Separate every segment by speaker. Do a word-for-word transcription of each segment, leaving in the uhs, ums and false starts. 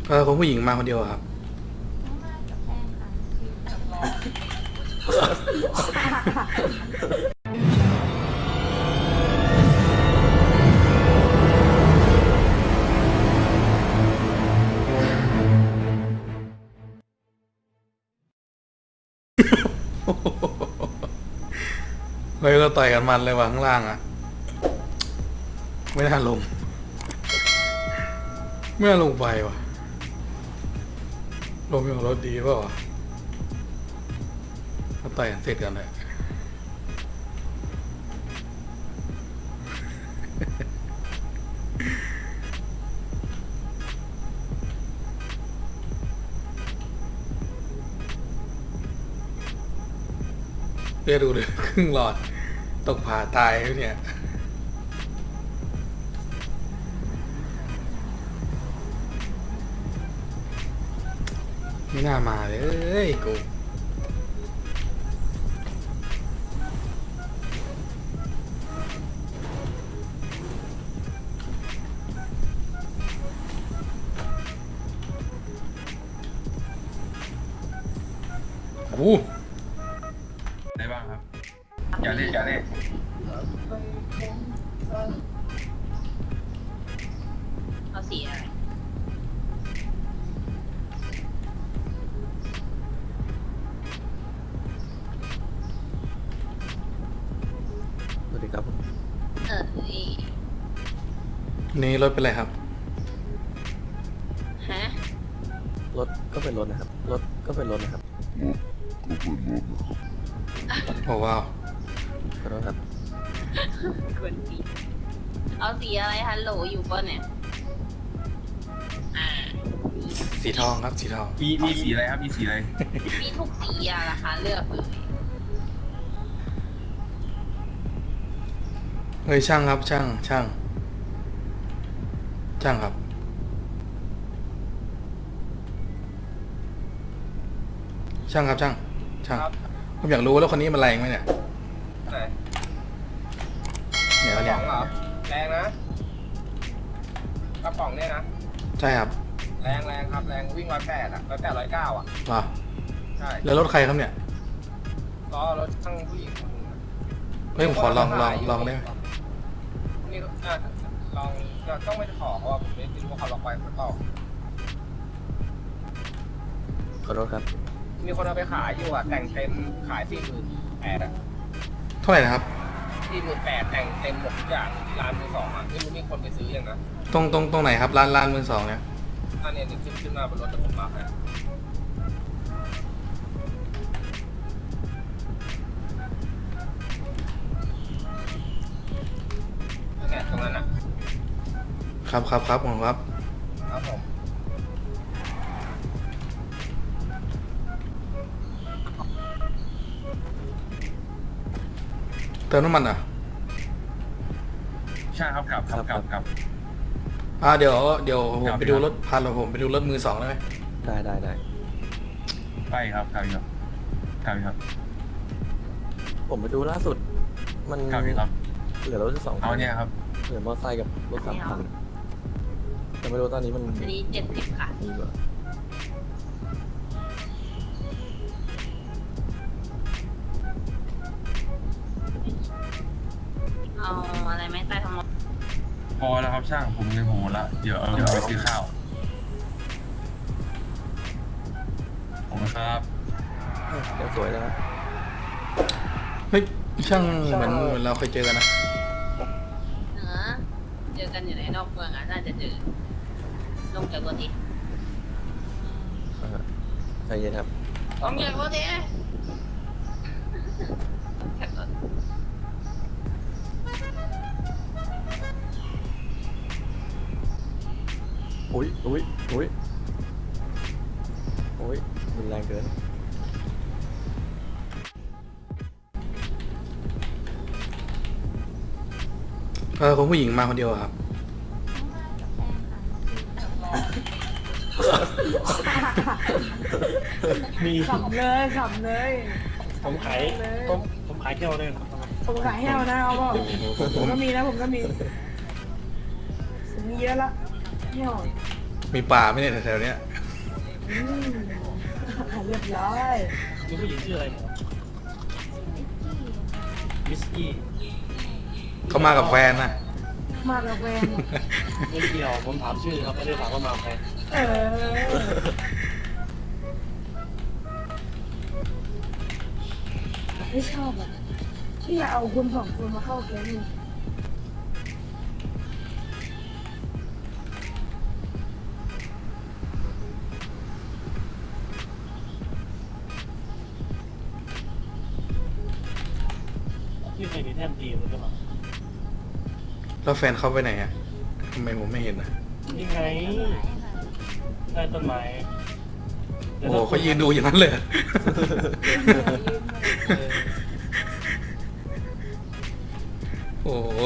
Speaker 1: เออคนผู้หญิงมาคนเดียวครับ
Speaker 2: มากับแฟนค่ะ
Speaker 1: เฮ้ยก็ต่อยกันมันเลยว่ะข้างล่างอ่ะไม่น่าลงไม่น่าลงไปว่ะลงอย่างรถดีเปล่าวะก็ต่อยกันเสร็จกันเลยเรียกดูเลยครึ่งหลอดตกผ่าตายเนี่ยไม่น่ามาเลยเอ้ยกูโอ้
Speaker 3: ได้บ้างครับอย่าเล่นอย่าเล่น
Speaker 2: เอาสีอะไร
Speaker 4: สวัสดีครับ
Speaker 2: เอออี
Speaker 1: นี่รถเป็นไรครับ
Speaker 2: ฮะ
Speaker 4: รถก็เป็นรถนะครับ รถก็เป็นรถนะครับ
Speaker 1: โอ้ว้าว
Speaker 4: ขอโทษครับ
Speaker 2: กวนตีเอาสีอะไรฮัลโหลอยู่ป่ะเนี่ยอ่า
Speaker 1: สีทองครับสีทอง
Speaker 3: มีมีสีอะไรครับมีสีอะไร
Speaker 2: มีทุกสีอะราคาเลือกเลย
Speaker 1: เฮ้ยช่างครับช่างช่างช่างครับช่างครับช่างช่างผมอยากรู้ว่าแล้วคนนี้มันแรงไหมเนี่ย
Speaker 5: ไหน
Speaker 1: เนี่ย
Speaker 5: กระ
Speaker 1: เนี่
Speaker 5: ป๋
Speaker 1: ย
Speaker 5: องเหรอแรงนะกระป๋องเนี่ยนะ
Speaker 1: ใช่ครับ
Speaker 5: แรงแรงครับแรงวิ่งร้อยแปดอ่ะร้อยแปดร้อยเก้าอ่ะ
Speaker 1: ว้า
Speaker 5: ใช่
Speaker 1: แล้วรถใครครับเนี่ย
Speaker 5: ล้อรถช่างผู้หญิงคนนึงอะ
Speaker 1: เฮ้ยผมขอลองลองลองได้ไหม
Speaker 5: นี่อ่ะลองก็ต้องไม่ขอเพราะว่าผมไม่รู้ว่าเขาล็อกไว้หรือเปล่า
Speaker 4: ขอโทษครับ
Speaker 5: มีคนเอาไปขายอยู่อ่ะแต่งเต็มขายสี่หมื่นแปดอ่ะ
Speaker 1: เท่าไหร่นะครับ
Speaker 5: สี่หมื่นแปดแต่งเต็มหมดทุกอย่างร้านมือสองอ่ะไม่รู้มีคนไปซื้อยังนะ
Speaker 1: ตรงตรงตรงไหนครับร้านร้านมือสองเนี่ย
Speaker 5: อันเนี้ยนี่ขึ้นขึ้นมาบนรถแต่ผมมาให้เนี่ยตรงนั้นอ่ะ
Speaker 1: ครับครับครับผมครับ
Speaker 5: ครับผม
Speaker 1: เติมน้ำมันอ่ะ
Speaker 3: ใช่ครับกลับครับกลับกลับ
Speaker 1: อ่าเดี๋ยวเดี๋ยวผม
Speaker 3: ครับ
Speaker 1: ไปดูรถพาเราผมไปดูรถมือสองได้ไหม
Speaker 4: ได้ได้ได้
Speaker 3: ไปครับกลับครับกลับครับ
Speaker 4: ผมไปดูล่าสุด มัน
Speaker 3: กลับครับ
Speaker 4: เหลือรถสองคั
Speaker 3: เอาเนี่ยครับ
Speaker 4: เหลือมอเตอร์ไซค์กับรถสามคันแต่ไม่รู้ตอนนี้มัน
Speaker 2: อันนี้เจ็ดสิบค่ะ
Speaker 4: มีเบอร์
Speaker 2: เอาอะไรไหมใต้ท้องรถ
Speaker 3: พอแล้วครับช่างผมเงินผมหมดละเดี๋ยวเอาเดี๋ยวไปซื้อข้าวผมครับ
Speaker 4: เดี๋ยวสวยแล้วนะ
Speaker 1: เฮ้ยช่างเหมือนเหมือนเราเคยเจอกันนะ
Speaker 2: เนื้อเจอกันอยู่ในนอกเมืองอ่ะน่าจะเจอลงจากรถดิ
Speaker 4: อ่าใจเย็นครับ
Speaker 2: ลงจากรถดิจากรถ
Speaker 4: อุ้ยอุ้ยอุ้ยอุ้ยรุนแรงเกิน
Speaker 1: เออคนผู้หญิงมาคนเดียวครับ
Speaker 2: มากับแฟนค่ะ
Speaker 6: มี
Speaker 7: ขับเลยขับเลย
Speaker 6: ผมขายผมผมขายเที่ยวด้วยครับ
Speaker 7: ผมขายแห้วนะเอาเปล่าผมก็มีนะผมก็มีผมมีเยอะละแห้ว
Speaker 1: มีป่าไหมเนี่ยแถวๆเนี้ย
Speaker 7: อืมเรียบร้อย
Speaker 6: มีผู้หญิงชื่ออะไรเนี่ยมิสกี้
Speaker 1: เขามากับแฟนนะ
Speaker 7: มากกับแฟน
Speaker 6: ไม่เกี่ยวผมถามชื่อครับไม่ได้ถามว่ามาใคร
Speaker 7: เออไม่ชอบอ่ะที่อยากเอาคุณสองคนมาเข้าแก๊งนี่
Speaker 6: ที่เคยมีแท่นตีมันก็มา
Speaker 1: แล้วแฟนเขาไปไหนอะทำไมผมไม่เห็นอะ
Speaker 6: นี่ไงใต้ต้นไม้
Speaker 1: โอ้โหเขายืนดูอย่างนั้นเลยอะ โอ้โห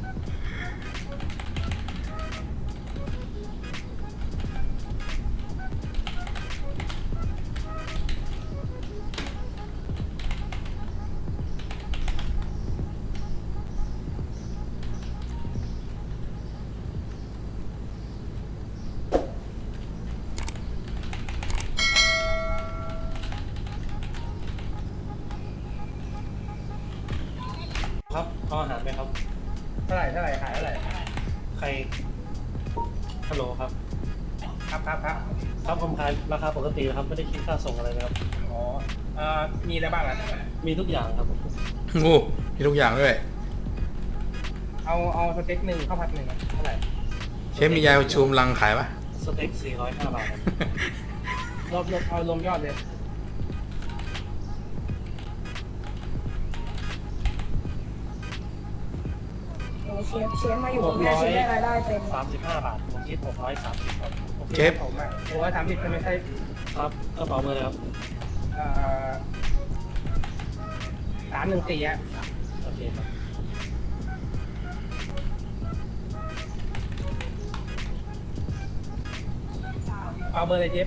Speaker 6: ครับเอาอาหารไหมครับ
Speaker 5: เท่าไหร่เท่าไหร่ขายเท่าไหร่
Speaker 6: ใครฮัลโหลครับ
Speaker 5: ครับครับครับ
Speaker 6: ครับผมขายราคาปกตินะครับไม่ได้คิดค่าส่งอะไรนะครับ
Speaker 5: อ๋อเอ่อมีอะไรบ้างอ่ะ
Speaker 6: มีทุกอย่างครับผม
Speaker 1: โอ้มีทุกอย่างด้วย
Speaker 5: เอาเอาสเต็กหนึ่งข้าวผัดหนึ่งอะเท่าไหร่
Speaker 1: เชฟมียาประชุมลังขายปะ
Speaker 6: สเต็กสี่ร้อยห้าบาทครับ
Speaker 5: รวมรวมเอารวมยอดเลย
Speaker 7: โอ้เชฟเชฟมาอยู่กับแม่เชฟได้รายได้เต็ม
Speaker 6: สามสิบห้าบาทผมคิดหกร้อยสามสิบครับ
Speaker 5: โอเคผมอ่ะโอ้ยทำผิดไม่ใช่
Speaker 6: ครับกระเป๋าเบอร์เลยครับ
Speaker 5: เอ่อสามหนึ่งสี่อ่ะ
Speaker 6: โอเคครับ
Speaker 5: เอาเบอร์เลยเจฟ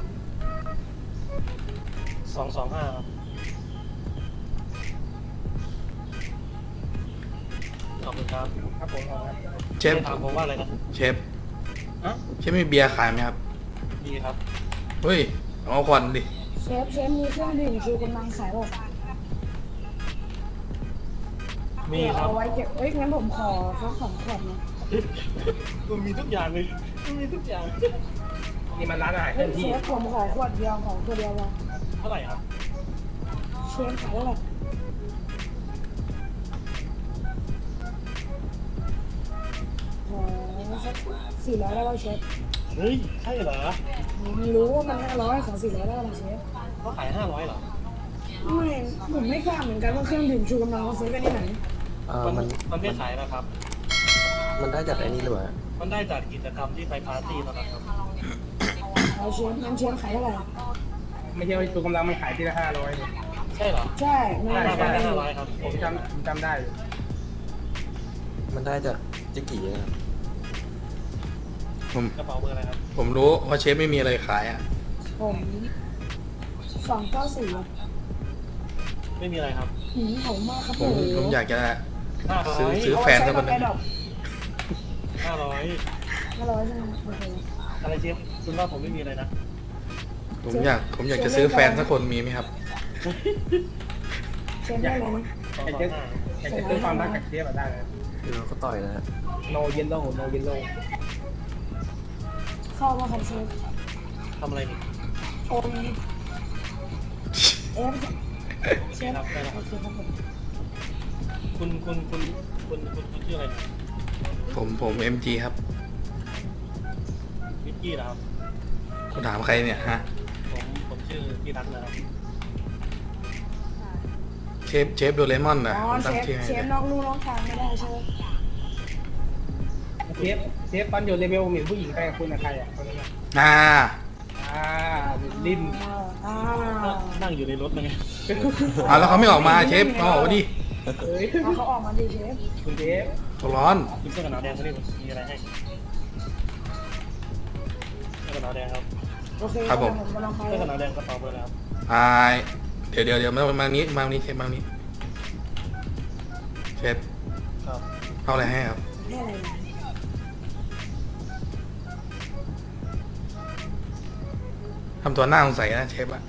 Speaker 6: สองสองห้าครับขอบคุณครับ
Speaker 5: ครับผมเอาครับ
Speaker 1: เชฟ
Speaker 6: ถามผมว่าอะไรนะ
Speaker 1: เชฟ
Speaker 6: ฮะ
Speaker 1: เชฟมีเบียร์ขายไหมครับ
Speaker 6: ดีครับ
Speaker 1: เฮ้ยเอาควันดิ
Speaker 7: เชฟเชฟมีเครื่องดื่มชูกำลังขายบอก
Speaker 6: มีครับ
Speaker 7: เอาไว้เก็บเอ้ยงั้นผมขอสักสองขวดนะ
Speaker 6: มันมีทุกอย่างเลยมันมีทุกอย่าง
Speaker 5: นี่มันร้านอาหารเค
Speaker 7: เฮ้
Speaker 5: ลื่
Speaker 7: ย
Speaker 5: อน
Speaker 7: เช
Speaker 5: ที่
Speaker 7: ฟผมขอขวดเดียวขอขวดเดียวพอ
Speaker 6: เท่าไหร่ครับ
Speaker 7: เชฟขายเท่าไหร่ขอสักสี่ร้อยได้ป่ะเชฟ
Speaker 6: เฮ้ยใช่เหรอ
Speaker 7: ไม่รู้ว่ามันห้าร้อยขอสี่ร้อยได้ป่ะเชฟ
Speaker 6: เขาขายห้าร้อยเหรอ
Speaker 7: ไม่ผมไม่ทราบเหมือนกันว่าเครื่องดื่มชูกำลังเขาซื้อกันที่ไหน
Speaker 4: เอ่อ
Speaker 6: มัน
Speaker 4: มัน
Speaker 6: มันไม่ขายนะครับ
Speaker 4: มันได้จากไอ้นี่หรือเปล่า
Speaker 6: มันได้จากกิจกรรมที่ไปปาร์ตี้ตอนนั้นครับ
Speaker 7: เอาเชฟงั้นเชฟขายเท่าไหร่
Speaker 5: ไม่ใช่ว่าตัวกำลังมันขายทีละห้าร้อยเนี่ย
Speaker 6: ใช่เหรอ
Speaker 7: ใช่ไม่
Speaker 6: ห้า
Speaker 7: ได้
Speaker 6: ร้อย
Speaker 7: ใช่
Speaker 6: ห้าร้อยครับ
Speaker 5: ผมจำผมจำได้อยู่
Speaker 4: มันได้จากจิกกี้นะครับ
Speaker 1: ผม
Speaker 6: กระเป๋าเบอร์อะไรครับ
Speaker 1: ผมรู้ว่าเชฟไม่มีอะไรขายอ่ะ
Speaker 7: ผมสองเก้าสี่
Speaker 6: ไม่มีอะไรครับ
Speaker 7: หืมผมมากครับ
Speaker 1: ผ
Speaker 7: ผม ม
Speaker 1: ผมอยากจะ
Speaker 6: ห้าร้อ
Speaker 1: ซื้อย ซื้อแฟนสักคนหนึง
Speaker 6: ห้าร้อย
Speaker 7: ห้าร้อยใช่ไหมโอเค
Speaker 6: อะไรเชฟคุณว่าผมไม่มีอะไรนะ
Speaker 1: ผมอยากผมอยากจะซื้อแฟนสักคนมีไหมครับ
Speaker 7: เชฟได้เลยนะ
Speaker 6: สอง
Speaker 5: อยาก
Speaker 6: สอ
Speaker 5: จะ
Speaker 6: งห้า
Speaker 5: อยากจะซื้อความรักกับเชฟอะได้เลย
Speaker 4: คือเราก็ต่อยนะฮะ
Speaker 5: no yellow no yellow
Speaker 7: เข้ามาครับเชฟ
Speaker 6: ทำอะไรนี่
Speaker 7: โอมเอฟเชฟ
Speaker 6: ครับได้แล้วค
Speaker 7: โอ
Speaker 6: รับ
Speaker 7: เคครับผม
Speaker 6: คุณคุณคุณคุณคุณคุณชื่ออะไรนะ
Speaker 1: ผมผมเอ็มจีครับ
Speaker 6: วิกกี้นะครับ
Speaker 1: คุณถามใครเนี่ยฮะ
Speaker 6: ผมผมชื่อพี่รัตน์นะครับ
Speaker 1: เชฟเชฟโดเรมอน
Speaker 7: อ๋
Speaker 1: นะ
Speaker 7: อ
Speaker 1: ผม
Speaker 7: เช
Speaker 1: ตั้ง
Speaker 7: ฟ
Speaker 1: ชื่อให้
Speaker 7: เชฟนอกลู่นอกทางไม่ได้ใช่ไหม
Speaker 5: เชฟเชฟตอนอยู่เลเวลมีผู้หญิงไปกับคุณอะใครอ่ะคนนั้นอะ
Speaker 1: อ่า
Speaker 5: อ่าลิ้น
Speaker 7: อ่า
Speaker 6: นั่งอยู่ในรถนะไง
Speaker 1: อ่าแล้วเขาไม่ออกมาเชฟเขาออกมาดิ
Speaker 5: เอ้ย
Speaker 7: เอาเขาออกมาดิเชฟ
Speaker 5: คุณเชฟ
Speaker 1: เขาร้อน
Speaker 6: คุณเสื้อกันหนาวแดงเขาเรียกมีอะไรให้เสื้อกันหนาวแดงครับ
Speaker 7: โอเค
Speaker 1: ครับผม
Speaker 7: กำลังไป
Speaker 6: เสื้อกันหนาวแดงกระเป๋าเบอร์อะไรครับ
Speaker 1: อ่าเดี๋ยวเดี๋ยวเดี๋ยวมามานี้มานี้เชฟมานี้เชฟ
Speaker 6: ครับ
Speaker 1: เอาอะไรให้ครับ
Speaker 7: ให้อะไรนะ
Speaker 1: ทำตัวหน้าสงสัยนะเชฟอะ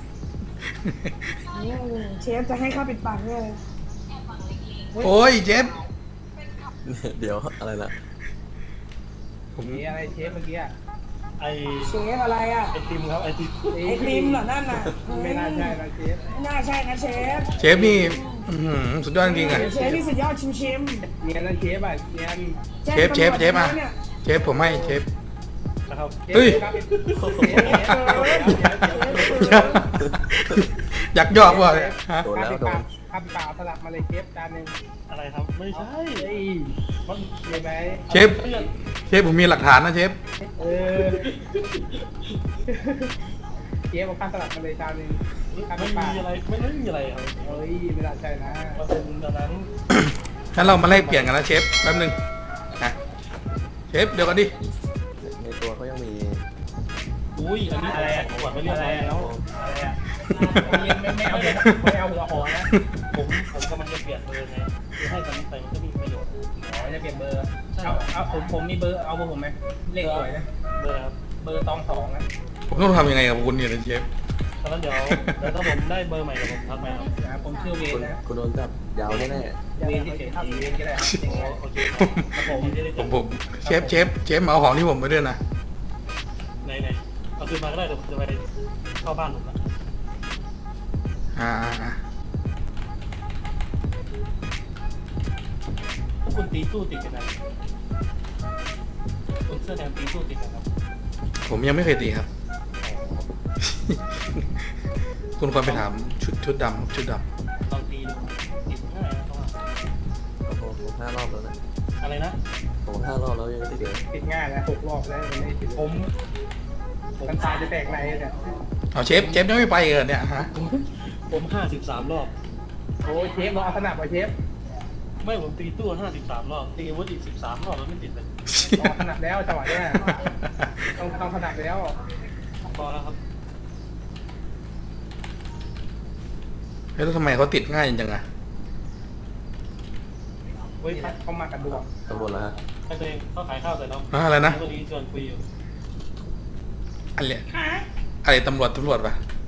Speaker 7: อืมเชฟจะให้ข้าปิดปากเนี่ยเลย
Speaker 1: โอ้ยเชฟ
Speaker 4: เดี๋ยวอะไรล่ะ
Speaker 1: ผม
Speaker 5: มีอะไรเชฟเมื่อกี้อะ
Speaker 6: ไอ
Speaker 7: เชฟอะไรอ่ะ
Speaker 6: ไอติมครับไอติม
Speaker 7: ไอติมเหรอนั่นน่ะ
Speaker 5: ไม่น่าใช่นะเชฟ
Speaker 7: ไม่น่าใช่นะเชฟ
Speaker 1: เชฟนี่อื้อหือสุดยอดจริงๆอะ
Speaker 7: เชฟนี่สุดยอดชิมชิม
Speaker 5: เนียนนะเชฟอ่ะเนียน
Speaker 7: ๆแจ้ง
Speaker 1: เชฟเชฟ
Speaker 7: ตำรวจ
Speaker 1: เชฟอะ
Speaker 7: แล้วนี่ย
Speaker 1: เชฟผมให้เชฟ
Speaker 6: นะครับ
Speaker 1: เฮ้ย
Speaker 5: ครับ
Speaker 1: อยากยอกว่ะฮะ
Speaker 4: โดนแล้วโดน
Speaker 5: ข้าวเปล่าสลับมาเลยเชฟจานหนึ่ง
Speaker 6: อะไรครับไม่ใช่
Speaker 5: เฮ้ยมันมีไหม
Speaker 1: เชฟเชฟผมมีหลักฐานนะเชฟ
Speaker 5: เออเชฟเอาข้าวสลับมาเลยจานหนึ่งข้าว
Speaker 6: ไม่
Speaker 5: เปล่า
Speaker 6: มีอะไรไม่ไม่มีอะไรครับ
Speaker 5: เฮ้ยไม่น่าใช่นะ
Speaker 6: มันเป็นอันนั้น
Speaker 1: งั้นเรามาแลกเปลี่ยนกันนะเชฟแป๊บนึงนะเชฟเดี๋ยวก่อนดิ
Speaker 4: ในตัวเขายังมี
Speaker 6: อุ้ยอันนี้อะไรขวดไม่เรียบร้อยแล้ว
Speaker 5: อะไรอ่ะไม่ไม่เอาหัวไม่เอาหัวหอนะ
Speaker 6: ผมผมกำลังจะเปลี่ยนเบอร์ไงคือให้ตอนนี้ไปมันก็มีประโยชน์
Speaker 5: อ๋อจะเปลี่ยนเบอร์เอาเอาผมผมมีเบอร์เอาเบอร์ผมไหมเลขสวยนะ
Speaker 6: เบอร์ครับ
Speaker 5: เบอร์ตองสองนะ
Speaker 1: ผมต้องทำยังไงกับคุณเนี่ยนะเชฟ
Speaker 6: ตอนนั้นเดี๋ยวเดี๋ยวถ้าผมได้เบอร์ใหม่เดี๋ยวผมทักไปครับ
Speaker 5: นะผมชื่อเว
Speaker 4: คุ
Speaker 5: น
Speaker 4: ณ
Speaker 5: นะ
Speaker 4: คุณโดนจับยาวแน่
Speaker 5: เวที่เฉยๆเวนก็ได้ครับยังไง
Speaker 6: โอเคครับผมจะได้
Speaker 1: ผมผมเชฟเชฟเชฟมาเอาของที่ผมไปด้วยนะ
Speaker 6: ไหนไหนเอาคืนมาก็ได้เดี๋ยวผมจะไปเข้าบ้านผมนะ
Speaker 1: อ่าอ่าอ่า
Speaker 6: พวกคุณตีตู้ติดกันนะคุณเสื้อแดงตีตู้ติดกันครับ
Speaker 1: ผมยังไม่เคยตีครับ คุณควรไปถามชุดชุดดำชุดด
Speaker 6: ลองตีดูติดง่ายนะเพราะว่า
Speaker 4: ๆโอ้โหผมห้ารอบแล้วนะ
Speaker 6: อะไรนะ
Speaker 4: ผมห้ารอบแล้วยังไม่ติดเลย
Speaker 5: ติดง่ายนะหกรอบแล้ววันนี้ติดผมกันตายจะแตกในเนี่ย
Speaker 1: ำเอาเชฟเชฟยังไม่ไปเหรอเนี่ยฮะ
Speaker 6: ผมห้าสิบสามรอบ
Speaker 5: โอ้เชฟรอเอาสนับไปเชฟ
Speaker 6: ไม่ผมตีตู้ห้าสิบสามรอบตีอาวุธอีกสิบสามรอบแล้วไม่ติดเลย
Speaker 5: รอสนับแล้วจังหวะเนี้ยต้องต้องสนับแล้ว
Speaker 6: พอแล้วครับ
Speaker 1: เฮ้ยแล้วทำไมเขาติดง่ายจังอะ
Speaker 5: เฮ้ยเขามากันดวง
Speaker 4: ตำรวจแล้วฮะ
Speaker 6: ให้ตัวเองเขาขายข้าวใส่เรา
Speaker 1: ฮะอะไรนะ
Speaker 6: วันนี้ชวนคุยอยู่
Speaker 1: อะไรอะไรตำรวจตำรวจปะ